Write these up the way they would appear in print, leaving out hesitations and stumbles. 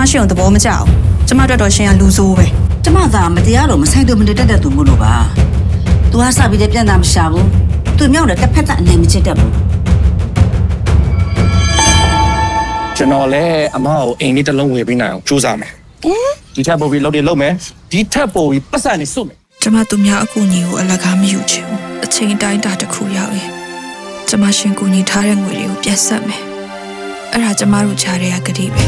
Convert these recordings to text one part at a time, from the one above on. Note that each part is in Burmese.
ရှင်ကိုသဘောမကျအောင်ကျမတို့တော့ရှင်ကလူဆိုးပဲကျမသာမတရားလို့မဆိုင်သူမတတ်တဲ့သူမို့လို့ပါ။ तू ဟာစပြီးတဲ့ပြန်တာမရှာဘူး။ तू မြောက်တဲ့တစ်ဖက်သက်အနေမချစ်တတ်ဘူးကျွန်တော်လည်းအမကိုအိမ်လေးတစ်လုံးဝယ်ပေးနိုင်အောင်ကြိုးစားမယ်ဒီထက်ပိုပြီးလုပ်တယ်လုပ်မယ်ဒီထက်ပိုပြီးပတ်စံနေစုမယ်ကျမသူများအကူအညီကိုအလကားမယူချင်ဘူးအချိန်တိုင်းတာတစ်ခုရောက်ရင်ကျမရှင်ကူညီထားတဲ့ငွေတွေကိုပြန်ဆက်မယ်အဲ့ဒါကျမတို့ချားတဲ့ကတိပဲ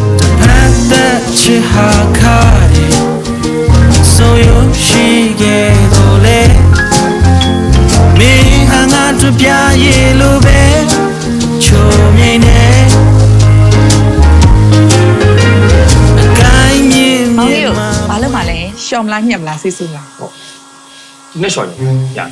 So you she get ole me hanga to pya ye lo be cho mye ne gai mye မောင်ကြီးဘာလို့မလဲရှော့မလားညက်မလားစိတ်ဆူလားဒီနေ့ရှော်ရရ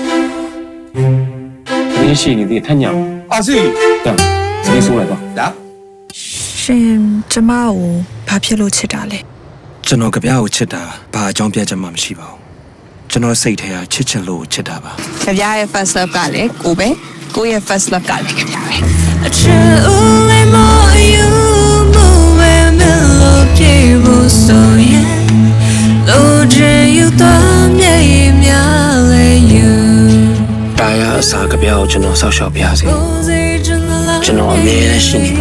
你是你的太娘啊是这样你说来吧来ရှင်ကျမကိုဘာဖြစ်လို့ချစ်တာလဲကျွန်တော်ကြပြားကိုချစ်တာဘာအကြောင်းပြချက်မှမရှိပါဘူးကျွန်တော်စိတ်ထဲကချစ်ချင်လို့ချစ်တာပါကြပြရဲ့ first love ကလည်းကိုပဲကိုရဲ့ first love ကလည်းကြပြပဲ a truly more you move and mellow people so yeah lo you to me mya le you ဒါရအစားကြပြားကိုကျွန်တော်ဆောက်ရှောက်ပြစေကျွန်တော်အမြဲတမ်းရှိနေပါ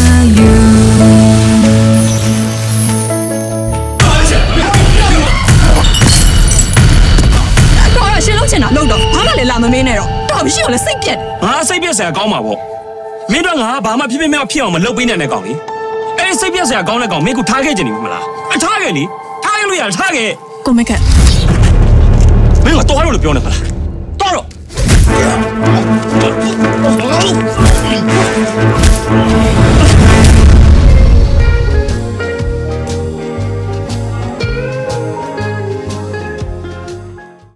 တော့ရှင်လုံးချင်တာလုံးတော့ဘာမှလည်းလာမမင်းနဲ့တော့တော်မရှိအောင်လည်းစိတ်ပြက်ငါစိတ်ပြက်စရာကောင်းမှာပေါ့မင်းတို့ငါဘာမှဖြစ်ဖြစ်မဖြစ်အောင်မလုပ်ပေးနိုင်တဲ့ကောင်လေအဲ့စိတ်ပြက်စရာကောင်းတဲ့ကောင်မင်းကထားခဲ့ကြနေပြီမလားအထားခဲ့လေထားခဲ့လို့ရထားခဲ့ကိုမက်ကမင်းကတော့လို့ပြောနေပါလား